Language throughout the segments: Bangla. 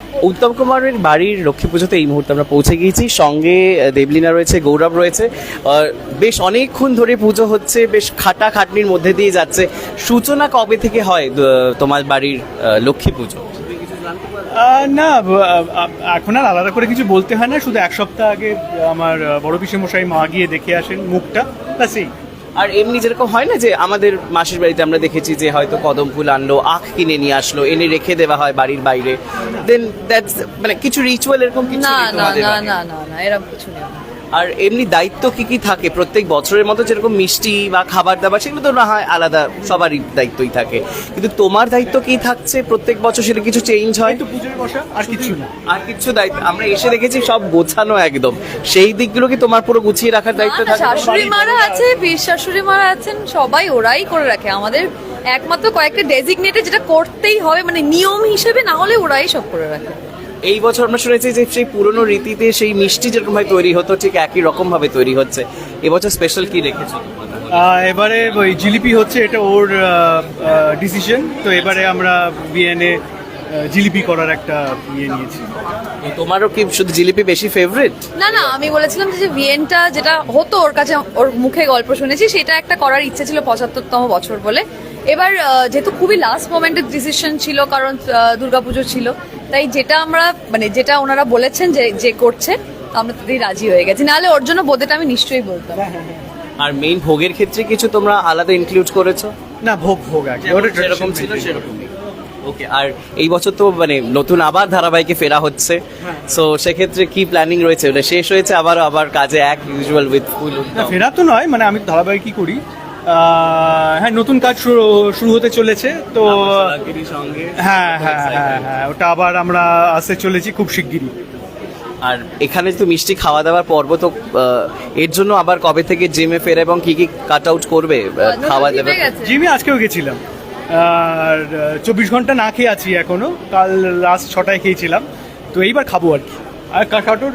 উত্তম কুমারের বাড়ির লক্ষ্মী পুজোতে এই মুহূর্তে আমরা পৌঁছে গিয়েছি, সঙ্গে দেবলীনা রয়েছে, গৌরব রয়েছে। বেশ অনেকক্ষণ ধরে পুজো হচ্ছে, বেশ খাটাখাটনির মধ্যে দিয়ে যাচ্ছে। সূচনা কবে থেকে হয় তোমার বাড়ির লক্ষ্মী পুজো? না, এখন আর আলাদা করে কিছু বলতে হয় না, শুধু এক সপ্তাহ আগে আমার বড় পিসেমশাই মা গিয়ে দেখে আসেন মুখটা, ব্যাস এই। আর এমনি যেরকম হয় না যে আমাদের মাসির বাড়িতে আমরা দেখেছি যে হয়তো কদম ফুল আনলো, আখ কিনে নিয়ে আসলো, এনে রেখে দেওয়া হয় বাড়ির বাইরে, দেন দ্যাটস মানে কিছু রিচুয়াল এরকম কিছু না নেই না তোমাদের না বাড়িতে? না না না এরকম কিছু নেই। আর এমনি দায়িত্ব কি কি থাকে প্রত্যেক বছরের মতো? যেরকম মিষ্টি বা খাবার দাবার সেগুলো তো না হয় আলাদা, সবারই দায়িত্বই থাকে, কিন্তু তোমার দায়িত্ব কি থাকছে প্রত্যেক বছর? সেটা কিছু চেঞ্জ হয়? তো পুজোর বসা আর কিছু না। আর কিছু দায়িত্ব আমরা এসে দেখেছি সব গোছানো একদম, সেই দিকগুলো কি তোমার পুরো গুছিয়ে রাখার দায়িত্ব না, না, থাকে? শাশুড়ি মারা আছে, বীর শাশুড়ি মারা আছেন, সবাই ওরাই করে রাখে। আমাদের একমাত্র কয়েকটা ডেজিগনেটে যেটা করতেই হবে, মানে নিয়ম হিসেবে, না হলে ওরাই সব করে রাখে। এই বছর আমরা শুনেছি যে সেই পুরনো রীতিতে সেই মিষ্টি যেরকম ভাবে তৈরি হতো ঠিক একই রকম ভাবে তৈরি হচ্ছে। এবছর স্পেশাল কি রেখেছো? এবারে ওই জিলিপি হচ্ছে, এটা ওর ডিসিশন, তো এবারে আমরা বিএনএ জিলিপি করার একটা ইয়ে নিয়েছি। তোমারও কি শুধু জিলিপি বেশি ফেভারিট? না না, আমি বলেছিলাম যে ভিয়েনটা যেটা হতো ওর কাছে, ওর মুখে গল্প শুনেছি, সেটা একটা করার ইচ্ছে ছিল ৭৫তম বছর বলে। এবার যেহেতু খুবই লাস্ট মোমেন্টের ডিসিশন ছিল, কারণ দুর্গাপুজো ছিল, তাই যেটা আমরা মানে যেটা ওনারা বলেছেন যে করছে, তো আমরা তাতেই রাজি হয়ে গেছি। নাহলে ওর জন্য বোধেটা আমি নিশ্চয়ই বলতাম। আর মেইন ভোগের ক্ষেত্রে কিছু তোমরা আলাদা ইনক্লুড করেছো? না, ভোগ আছে, ওটা যেরকম ছিল সেরকমই। ওকে, আর এই বছর তো মানে নতুন আবার ধারাবাহিকে ফেরা হচ্ছে, সো সেক্ষেত্রে কি প্ল্যানিং রয়েছে? ওটা শেষ হয়েছে, আবার কাজে এক ইউজুয়াল উইথ ফুল? না, ফেরা তো নয়, মানে আমি ধারাবাহিকই করি। হ্যাঁ, নতুন কাজ শুরু হতে চলেছে, তো সঙ্গে হ্যাঁ হ্যাঁ হ্যাঁ হ্যাঁ, ওটা আবার আমরা আসতে চলেছি খুব শিগগিরই। আর এখানে তো মিষ্টি খাওয়া দাওয়ার পর্ব, তো এর জন্য আবার কবে থেকে জিমে ফেরা এবং কি কি কাট আউট করবে খাওয়া দাওয়া? জিমে আজকেও গেছিলাম, আর ২৪ ঘন্টা না খেয়ে আছি এখনো, কাল লাস্ট ৬টায় খেয়েছিলাম, তো এইবার খাবো আর কি। আর কাটাউট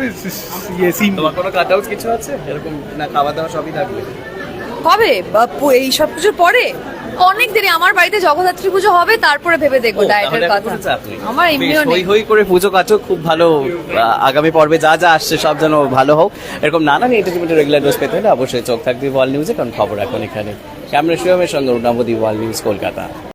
তোমার কোনো কাট আউট কিছু আছে এরকম? না, খাওয়া দাওয়া সবই থাকবে? কবে? এই সব কিছুর পরে অনেক দেরি। আমার বাড়িতে জগদ্ধাত্রী পুজো হবে, তারপরে ভেবে দেখবো ডায়েটের কথা। আমার এমনিও নেই। হই করে পুজো কাটো, খুব ভালো। আগামী পর্বে যা যা আসছে সব যেন ভালো হোক। এরকম নানান এন্টারটেনমেন্টের রেগুলার ডোজ পেতে হলে অবশ্যই চোখ থাকবে ওয়ার্ল্ড নিউজে, কারণ খবর এখন এখানে। ক্যামেরা শিবমের সঙ্গে নবদ্বীপ, ওয়ার্ল্ড নিউজ, কলকাতা।